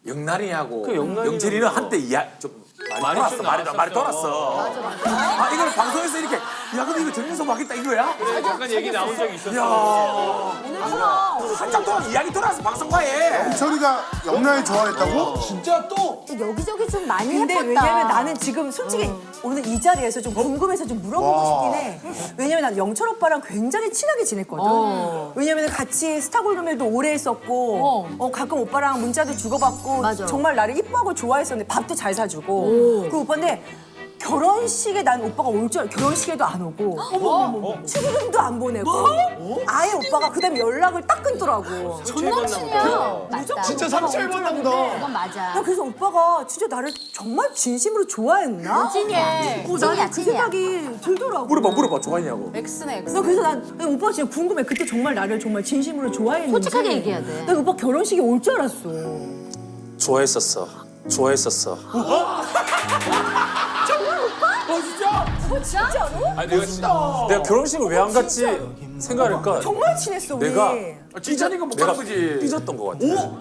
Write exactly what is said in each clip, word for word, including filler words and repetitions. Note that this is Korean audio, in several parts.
영란이하고 그 영란이는 영철이는 뭐. 한때 이야 좀 많이, 많이 돌았어. 좀 말이, 나왔었어. 말이 돌았어. 맞아, 맞아. 아 이걸 방송에서 이렇게 야 근데 이거 정민석 하겠다 이거야? 그래, 잠깐 얘기 나온 적이 있었어. 야 한참 동안 이야기 돌아서 방송과에. 영철이가 영란이 좋아했다고? 진짜 또 여기저기 좀 많이 근데 해봤다. 왜냐면 나는 지금 솔직히 오늘 이 자리에서 좀 궁금해서 좀 물어보고 싶긴 해. 왜냐면 난 영철 오빠랑 굉장히 친하게 지냈거든. 어. 왜냐면 같이 스타골드밀도 오래 했었고 어. 어, 가끔 오빠랑 문자도 주고받고 맞아. 정말 나를 이뻐하고 좋아했었는데 밥도 잘 사주고 그 오빠인데 결혼식에 난 오빠가 올 줄 알고 결혼식에도 안 오고 어머 축의금도 안 보내고 아예 오빠가 그다음에 연락을 딱 끊더라고. 전남친이야. 맞다. 진짜 상처 입었나 보다. 그건 맞아. 나 그래서 오빠가 진짜 나를 정말 진심으로 좋아했나? 찐이야. 어, 찐이야, 나는 그 찐이야. 생각이 들더라고. 물어봐 물어봐 좋아했냐고. 엑스네, 엑스. 나 그래서 난 오빠 진짜 궁금해. 그때 정말 나를 정말 진심으로 좋아했는지. 솔직하게 얘기해야 돼. 나 오빠 결혼식에 올 줄 알았어. 좋아했었어. 좋아했었어. 어 진짜? 진짜로? 아니 내가 진짜 내가 결혼식을 왜 안 갔지 생각하니까 정말 친했어 우리. 내가 아, 진짜니까 못 내가 가는 거지. 삐졌던 것 같아.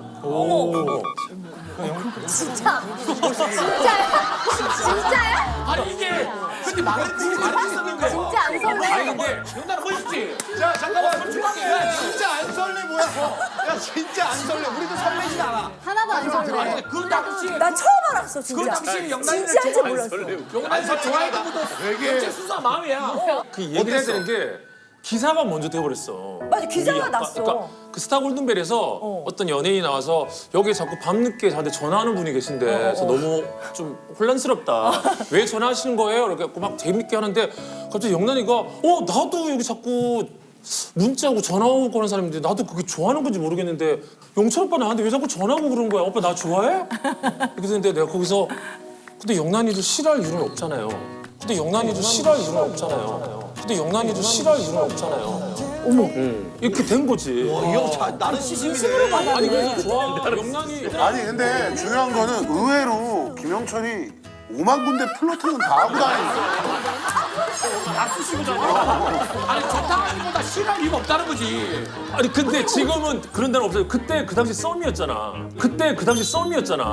진짜. 진짜야? 진짜야? 아니 이게 근데 말했지 말했었는데. 진짜 안 설레? 아니 근데 영란은 멋있지. 자 잠깐만 솔직하게. 야 진짜 안 설레 뭐야? 야 진짜 안 설레. 우리도 설레진 않아. 하나도 안 아니 설레. 근데 그 당시에 나 처음 알았어 그 진짜. 당시에 영란이를 진짜인지 몰랐어. 영란이가 좋아했던 것도 되게 수사 마음이야. 그 얘기를 해야 되는 게 기사가 먼저 돼버렸어. 맞아, 기사가 우리 아까- 났어. 그러니까 그 스타 골든벨에서 어. 떤 연예인이 나와서 여기 자꾸 밤늦게 저한테 전화하는 분이 계신데 그래서 너무 좀 혼란스럽다. 왜 전화하시는 거예요? 이렇게 막 재밌게 하는데 갑자기 영란이가 어 나도 여기 자꾸 문자 오고 전화 오고 그런 사람인데 나도 그게 좋아하는 건지 모르겠는데 영철 오빠 나한테 왜 자꾸 전화 오고 그러는 거야? 오빠 나 좋아해? 이렇게 됐는데 내가 거기서 근데 영란이도 싫어할 이유는 없잖아요. 근데 영란이도 싫어할 이유는 없잖아요. 근데 영란이도 싫어할 이유는 없잖아요. 어머, 이렇게 된 거지. 이형 나는 시심이네. 아니 그래서 좋아. 영란이 아니 근데 중요한 거는 의외로 김영철이 오만 군데 플러팅은 다 하고 다니는 다 쓰시고잖아. 아니 좋다기보다 싫어할 이유가 없다는 거지. 아니 근데 지금은 그런 데는 없어요. 그때 그 당시 썸이었잖아. 그때 그 당시 썸이었잖아.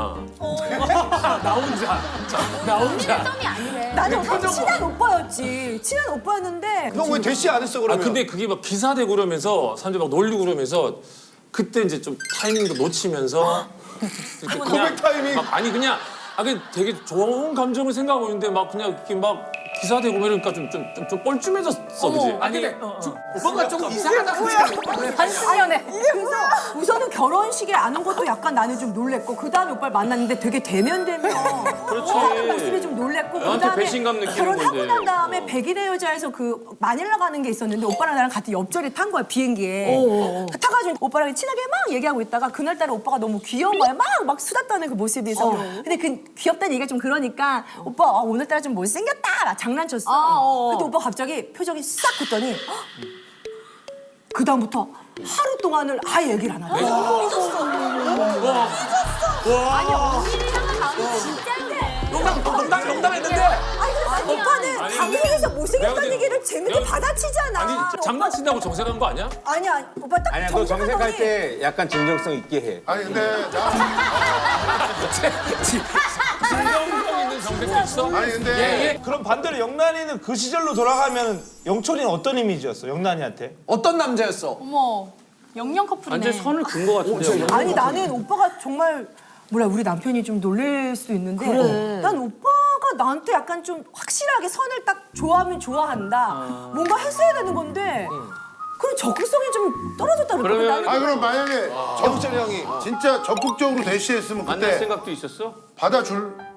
나 혼자. 나 혼자. 썸이 아니래. 나는 오빠 친한 오빠였지. 친한 오빠였는데. 너 왜 대시 안 했어 아 그러면? 근데 그게 막 기사되고 그러면서 사람들 막 놀리고 그러면서 그때 이제 좀 타이밍도 놓치면서 이렇게 고백 타이밍. 막 아니 그냥 아 그냥 되게 좋은 감정을 생각하고 있는데 막 그냥 이렇게 막 기사되고 그러니까 좀 좀 좀 좀 뻘쭘해졌어 그지? 아니 근데 좀 뭔가 좀 이상하다고 생각해. 반신연애. 그래서 우선은 결혼식에 안 온 것도 약간 나는 좀 놀랬고 그 다음에 오빠를 만났는데 되게 대면대면 그렇지. 하는 모습이 좀 놀랬고 그 나한테 다음에 배신감 느끼는 결혼하고 건데. 난 다음에 백일의 여자에서 그 마닐라 가는 게 있었는데 오빠랑 나랑 같은 옆자리에 탄 거야 비행기에. 타가지고 오빠랑 친하게 막 얘기하고 있다가 그날따라 오빠가 너무 귀여운 거야. 막 막 수다 떠는 그 모습에서. 근데 그 귀엽다는 얘기가 좀 그러니까 오빠 아, 오늘따라 좀 못생겼다 막 장난쳤어. 아, 어. 근데 오빠 갑자기 표정이 싹 굳더니 그 다음부터 하루 동안을 아예 얘기를 안 하고. 아니, 언니랑은 마음이 진짜인데. 농담 농담 농담했는데. 아니 근데 오빠는 아니, 방송에서 내가 못생겼다는 그때- 얘기를 재밌게 내가- 받아치잖아. 아니 장난친다고 정색한 거 아니야? 아니야 오빠 딱 아니야, 너 정색할 정색하더니 때 약간 진정성 있게 해. 아니 근데 나 진정성 있는 정색도 있어? 아니 근데 예. 그럼 반대로 영란이는 그 시절로 돌아가면 영철이는 어떤 이미지였어? 영란이한테? 어떤 남자였어? 어머, 영영 커플이네. 완전 선을 긋은 거 같은데. 아니 나는 오빠가 정말 뭐라 우리 남편이 좀 놀랄 수 있는데 난 오빠가 나한테 약간 좀 확실하게 선을 딱 좋아하면 좋아한다 뭔가 했어야 되는 건데 그런 적극성이 좀 떨어졌다는 거야. 그러면- 아 그럼 만약에 영철이 형이 진짜 적극적으로 대시했으면 만날 그때 생각도 있었어? 받아줄